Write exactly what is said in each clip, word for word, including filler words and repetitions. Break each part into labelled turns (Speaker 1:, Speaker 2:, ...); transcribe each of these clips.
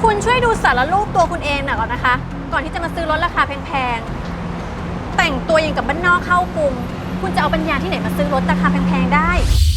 Speaker 1: คุณช่วยดูสารรูปตัวคุณเองหน่อยก่อนนะคะก่อนที่จะมาซื้อรถราคาแพงๆแต่งตัวอย่างกับบ้านนอกเข้ากรุงคุณจะเอาปัญญาที่ไหนมาซื้อรถราคาแพงๆได้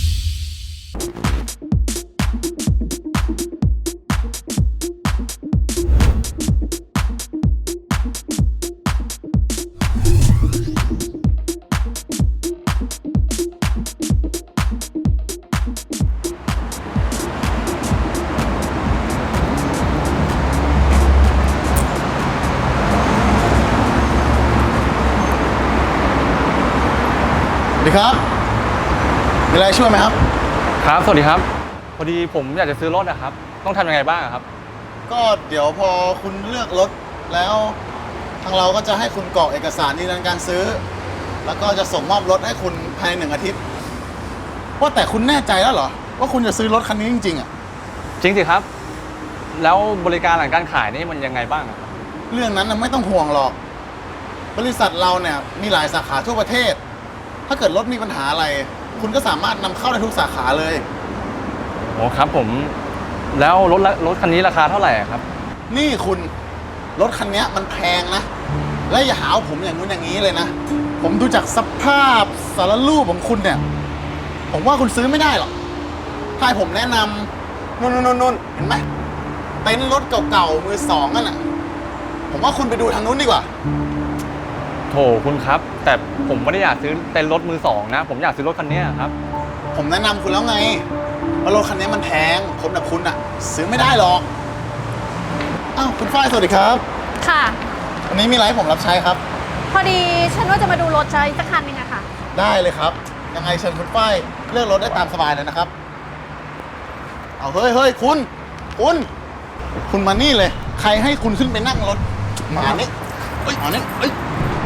Speaker 2: สวัสดีครับมีอะไรช่วยไหมครับ
Speaker 3: ครับสวัสดีครับพอดีผมอยากจะซื้อรถนะครับต้องทำยังไงบ้างครับ
Speaker 2: ก็เดี๋ยวพอคุณเลือกรถแล้วทางเราก็จะให้คุณกรอกเอกสารยืนยันการซื้อแล้วก็จะส่งมอบรถให้คุณภายในหนึ่งอาทิตย์ว่าแต่คุณแน่ใจแล้วเหรอว่าคุณจะซื้อรถคันนี้จริงๆอ่ะ
Speaker 3: จริงสิครับแล้วบริการหลังการขายนี่มันยังไงบ้างครับ
Speaker 2: เรื่องนั้นไม่ต้องห่วงหรอกบริษัทเราเนี่ยมีหลายสาขาทั่วประเทศถ้าเกิดรถมีปัญหาอะไรคุณก็สามารถนำเข้าได้ทุกสาขาเลย
Speaker 3: โอ้ครับผมแล้วรถรถคันนี้ราคาเท่าไหร่ครับ
Speaker 2: นี่คุณรถคันนี้มันแพงนะและอย่าหาผมอย่างนู้นอย่างนี้เลยนะผมดูจากสภาพสารรูปของคุณเนี่ยผมว่าคุณซื้อไม่ได้หรอกถ้าให้ผมแนะนำนู่นนู่นนู่นเห็นไหมเต็นท์รถเก่าๆมือสองนั่นน่ะผมว่าคุณไปดูทางนู้นดีกว่า
Speaker 3: โถคุณครับแต่ผมไม่ได้อยากซื้อเต็นท์รถมือสองนะผมอยากซื้อรถคันนี้ครับ
Speaker 2: ผมแนะนำคุณแล้วไงว่ารถคันนี้มันแพงคนแบบคุณอ่ะซื้อไม่ได้หรอกอ้าวคุณฝ้ายสวัสดีครับ
Speaker 1: ค่ะ
Speaker 2: วันนี้มีอะไรให้ผมรับใช้ครับ
Speaker 1: พอดีฉันว่าจะมาดูรถใช้สักคันนึงอะค่ะ
Speaker 2: ได้เลยครับยังไงเชิญคุณฝ้ายเลือกรถได้ตามสบายเลยนะครับเอาเฮ้ยเฮ้ยคุณคุณคุณมานี่เลยใครให้คุณขึ้นไปนั่งรถมานี่เอ้ยมานี่เอ้ย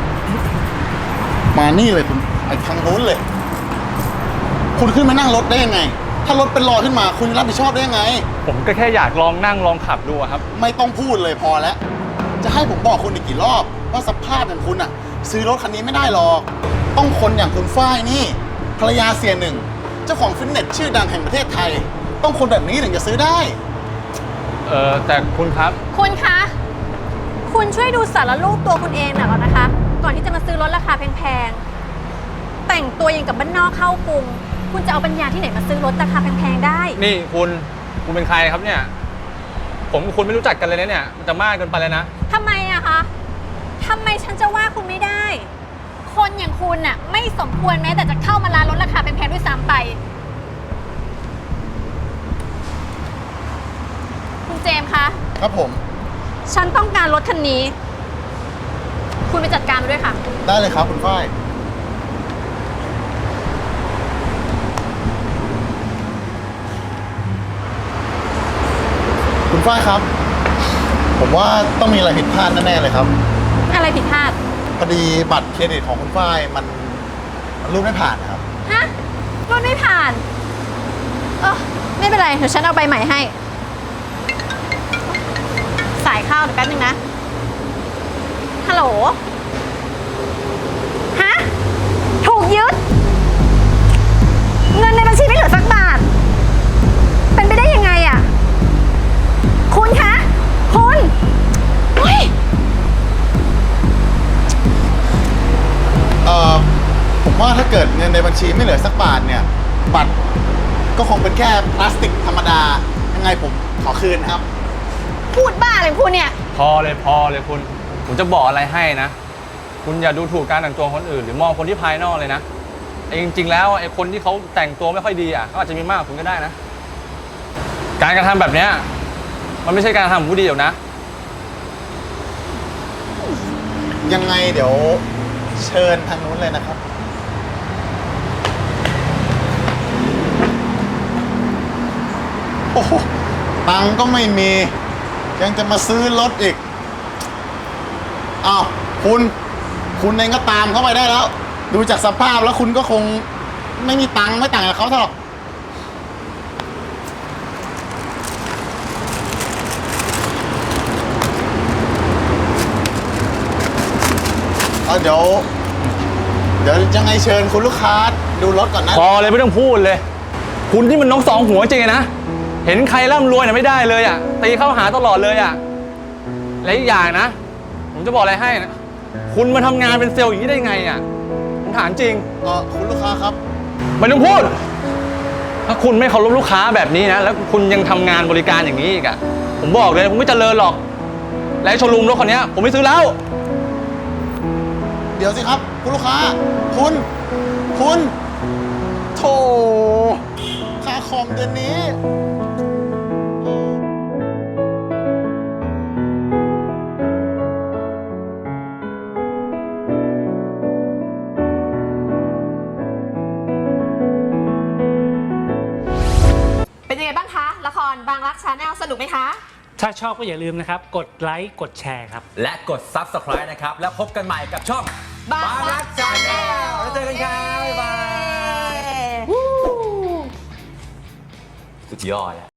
Speaker 2: มานี่เลยคุณไอ้ทางโน้นเลยคุณขึ้นมานั่งรถได้ยังไงถ้ารถเป็นรอยขึ้นมาคุณรับผิดชอบได้ยังไง
Speaker 3: ผมก็แค่อยากลองนั่งลองขับดูครับ
Speaker 2: ไม่ต้องพูดเลยพอแล้วจะให้ผมบอกคุณอีกกี่รอบว่าสภาพอย่างคุณอ่ะซื้อรถคันนี้ไม่ได้หรอกต้องคนอย่างคุณฝ้ายนี่ภรรยาเสียหนึ่งเจ้าของฟิตเนสชื่อดังแห่งประเทศไทยต้องคนแบบนี้ถึงจะซื้อได้
Speaker 3: เออแต่คุณครับ
Speaker 1: คุณคะคุณช่วยดูสารรูปตัวคุณเองหน่อยก่อนนะคะก่อนที่จะมาซื้อรถราคาแพงๆแต่งตัวอย่างกับบ้านนอกเข้ากรุงคุณจะเอาปัญญาที่ไหนมาซื้อรถราคาแพงๆได้
Speaker 3: นี่คุณคุณเป็นใครครับเนี่ยผมกับคุณไม่รู้จักกันเลยนะเนี่ยมันจะมากเกินไปแล้วนะ
Speaker 1: ทำไมอะคะทำไมฉันจะว่าคุณไม่ได้คนอย่างคุณน่ะไม่สมควรแม้แต่จะเข้ามาร้านรถราคาแพงๆด้วยซ้ำไปคุณเจมส์คะ
Speaker 2: ครับผม
Speaker 1: ฉันต้องการรถคันนี้คุณไปจัดการมาด้วยค่ะ
Speaker 2: ได้เลยครับคุณฝ้ายคุณฝ้ายครับผมว่าต้องมีอะไรผิดพลาดแน่ๆเลยครับ
Speaker 1: อะไรผิดพลาด
Speaker 2: พอดีบัตรเครดิตของคุณฝ้ายมันรูดไม่ผ่านครับ
Speaker 1: ฮะรูดไม่ผ่านเออไม่เป็นไรเดี๋ยวฉันเอาใบใหม่ให้สายเข้าเดี๋ยวแป๊บนึงนะฮัลโหลฮะถูกยึดเงินในบัญชีไม่เหลือสักบาทเป็นไปได้ยังไงอะคุณคะคุณเฮ้ย
Speaker 2: เอ่อผมว่าถ้าเกิดเงินในบัญชีไม่เหลือสักบาทเนี่ยบัตรก็คงเป็นแค่พลาสติกธรรมดายังไงผมขอคืนครับ
Speaker 1: พูดบ้าเลยคุณเนี่ย
Speaker 3: พอเลยพอเลยคุณผมจะบอกอะไรให้นะคุณอย่าดูถูกการแต่งตัวคนอื่นหรือมองคนที่ภายนอกเลยนะไอ้จริงๆแล้วไอ้คนที่เขาแต่งตัวไม่ค่อยดีอ่ะเขาอาจจะมีมากกว่าคุณก็ได้นะการกระทำแบบเนี้ยมันไม่ใช่การทำของผู้ดีหรอกนะ
Speaker 2: ยังไงเดี๋ยวเชิญทางนู้นเลยนะครับโอ้โหตังก็ไม่มียังจะมาซื้อรถอีกอ้าวคุณคุณเองก็ตามเข้าไปได้แล้วดูจากสภาพแล้วคุณก็คงไม่มีตังค์ไม่ต่างกับเขาเท่าหรอกเอาเดี๋ยวเดี๋ยวยังไงเชิญคุณลูกค้าดูรถก่อนนะ
Speaker 3: พอเลยไม่ต้องพูดเลยคุณที่มันน้องสองหัวจริงนะเห็นใครร่ำรวยเนี่ยไม่ได้เลยอ่ะตีเข้าหาตลอดเลยอ่ะและอีกอย่างนะ ผมจะบอกอะไรให้นะคุณมาทำงานเป็นเซลล์อย่างนี้ได้ไงอ่ะผมถามจริง
Speaker 2: เออคุณลูกค้าครับ
Speaker 3: ไม่ต้องพูด ถ้าคุณไม่เคารพลูกค้าแบบนี้นะ แล้วคุณยังทำงานบริการอย่างนี้อีกอะผมบอกเลยผมไม่เจริญหรอก และไอ้โชว์รูมรถคันนี้ผมไม่ซื้อแล้ว
Speaker 2: เดี๋ยวสิครับ คุณลูกค้า คุณ คุณโถค่าคอมเดือนนี้
Speaker 1: เป็นยังไงบ้างคะ ละครบางรักชาแนลสนุกไหมคะ
Speaker 4: ถ้าชอบก็อย่าลืมนะครับ กดไลค์ กดแชร์ครับ
Speaker 5: และกด ซับสไครบ์ นะครับ แล้วพบกันใหม่กับช่อง
Speaker 1: บางรัก
Speaker 5: Channel แล้วเจอกันครับ บ๊ายบาย สุดยอดแล้ว